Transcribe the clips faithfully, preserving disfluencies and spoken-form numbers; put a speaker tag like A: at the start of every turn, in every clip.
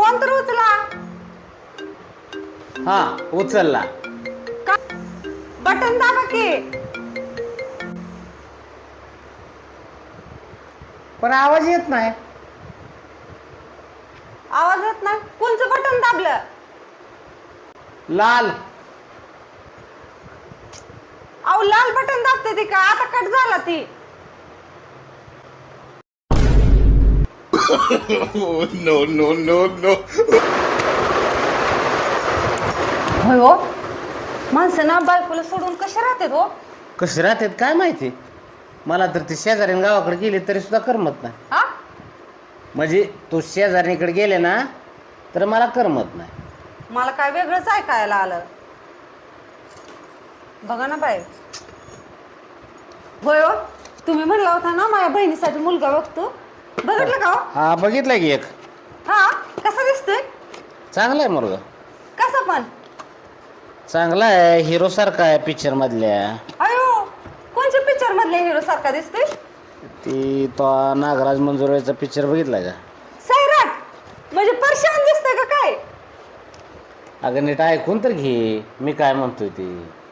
A: Phone तर उचला.
B: हा उचलला.
A: बटन दाबा की.
B: पण आवाज येत नाही.
A: आवाज येत नाही. कोणचं बटन दाबलं?
B: लाल.
A: अहो लाल बटन दाबते ती का? आता कट झाला ती.
C: No no no no.
A: होय हो, माणसं ना बायकोला सोडून कसे राहतात हो?
B: कशी राहतात काय माहिती. मला तर ती शेजारीन गावाकडे गेली तरी सुद्धा करमत नाही.
A: हा
B: म्हणजे तू शेजारीकडे गेले ना तर मला करमत नाही.
A: मला काय वेगळंच ऐकायला आलं. बघा ना बाई. होय हो, तुम्ही म्हणला होता ना माझ्या बहिणीसाठी मुलगा बघतो. बघितलं का हो?
B: हा बघितलं की एक.
A: हा कसा दिसतोय?
B: चांगला आहे मुलगा.
A: कसा पण?
B: चांगला आहे, हिरो सारखा आहे पिक्चर मधल्या.
A: अयो, कोणत्या पिक्चर मधल्या हिरो सारखा दिसतोय?
B: ती तो नागराज मंजुळेचा पिक्चर बघितला का?
A: सैराट म्हणजे परशान दिसतोय का काय?
B: अगं नीट ऐकून तर घे मी काय म्हणतोय ती.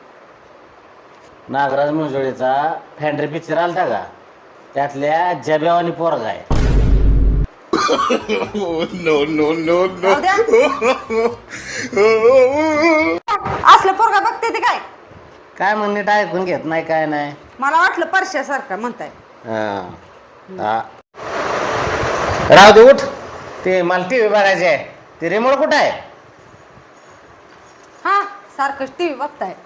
B: नागराज मंजुळेचा फॅन्ड्री पिक्चर आलता का? त्यातल्या जब्यावानी पोरगा आहे.
C: No no no no.
A: जाऊ द्या. असलं पोरगा बघते ते काय?
B: काय म्हण नीट ऐकून घेत नाही काय नाही.
A: मला वाटलं परशासारखा म्हणताय.
B: हा. हा. राहू दे उठ. ते मला टी व्ही बघायचे आहे. ते रिमोट कुठं आहे?
A: हा सारखं टीव्ही बघताय.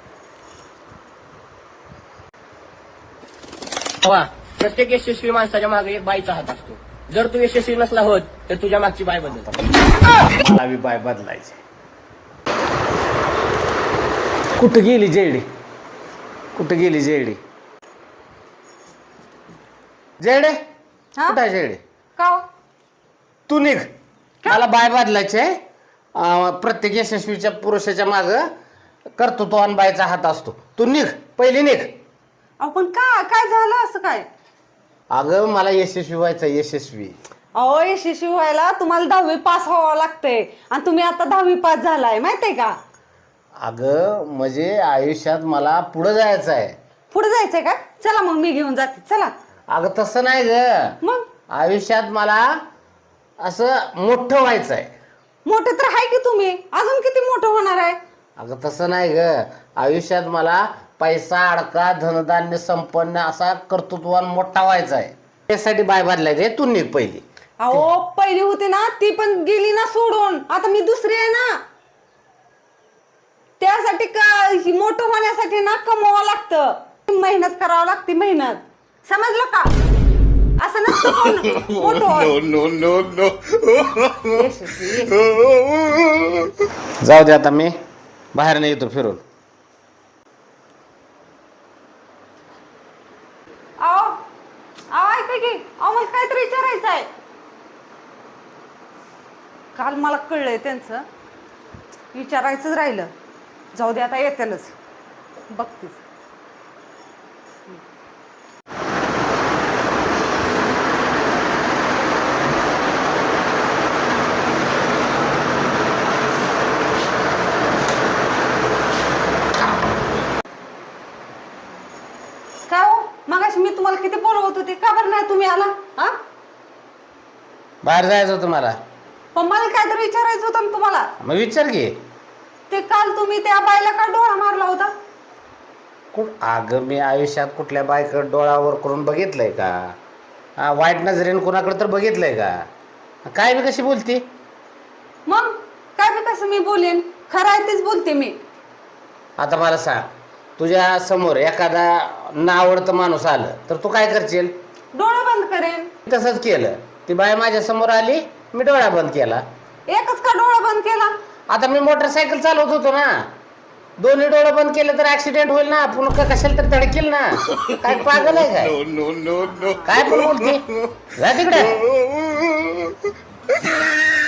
D: वा, प्रत्येक यशस्वी माणसाच्या मागे एक बाईचा हात असतो. जर तू यशस्वी नसला होत तर तुझ्या मागची बाय बदल.
B: मला बी बाय बदलायचे. कुठं गेली जेडी? कुठं गेली जेडी? जेडे
A: हा?
B: कुठं आहे जेडे?
A: का हो?
B: तू निघ. मला बाय बदलायचे. अं, प्रत्येक यशस्वीच्या पुरुषाच्या माग कर्तृत्वान बायचा हात असतो. तू निघ, पहिली निघ.
A: अहो पण का काय झालं असं काय?
B: अगं मला यशस्वी व्हायचं, यशस्वी.
A: अहो यशस्वी व्हायला तुम्हाला दहावी पास व्हावं लागतंय आणि तुम्ही आता दहावी पास झालाय माहितीये का?
B: अगं म्हणजे आयुष्यात मला पुढं जायचं आहे.
A: पुढे जायचंय का? चला मग मी घेऊन जाते. चला.
B: अगं तसं नाही ग.
A: मग
B: आयुष्यात मला असं मोठं व्हायचं आहे.
A: मोठे तर आहे की तुम्ही. अजून किती मोठं होणार आहे?
B: अगं तसं नाही ग. आयुष्यात मला पैसा अडका धनधान्य संपन्न असा कर्तृत्वान मोठा व्हायचा आहे. त्यासाठी बाय बदलायचे. तू निघ पहिली.
A: अहो पहिली होती ना ती पण गेली ना सोडून. आता मी दुसरी आहे ना. त्यासाठी का मोठं होण्यासाठी ना कमवावं लागतं, मेहनत करावं लागते. मेहनत समजलं का? असं नसतं कोण मोठं होत.
C: No no no.
A: यशस्वी, यशस्वी.
B: जाऊ दे आता मी बाहेर नाही येतो फिरून.
A: अहो अहो ऐका की. अहो मला काहीतरी विचारायचं आहे. काल मला कळलंय त्यांचं. विचारायचंच राहिलं. जाऊ दे आता येतेलच. बघतीच. काय हो मगाशी मी तुम्हाला किती बोलवत होते, का बरं नाही तुम्ही आला? हा
B: बाहेर जायचं होतं मला.
A: पण मला काहीतरी विचारायचं होतं ना तुम्हाला.
B: मग विचार घे.
A: ते काल तुम्ही त्या बाईला का डोळा मारला होता?
B: कुठ अगं मी आयुष्यात कुठल्या बायकडे डोळावर करून बघितलंय का? हा वाईट नजरेने कोणाकडे तर बघितलंय का? काय मी कशी बोलते?
A: मग काय बी कसं मी बोलेन? खरं आहे तेच बोलते मी.
B: आता मला सांग, तुझ्या समोर एखादा नावडतं माणूस आलं तर तू काय करशील?
A: डोळा बंद करेन.
B: तसंच केलं. ती बाय माझ्या समोर आली, मी डोळा बंद केला.
A: एकच का डोळा बंद केला?
B: आता मी मोटरसायकल चालवत होतो ना, दोन्ही डोळे बंद केले तर ऍक्सिडेंट होईल ना, पुन्हा कशाला तर धडकेल ना. काय पागल आहे काय?
C: No no no no.
B: काय पण बोलते? जा तिकडे.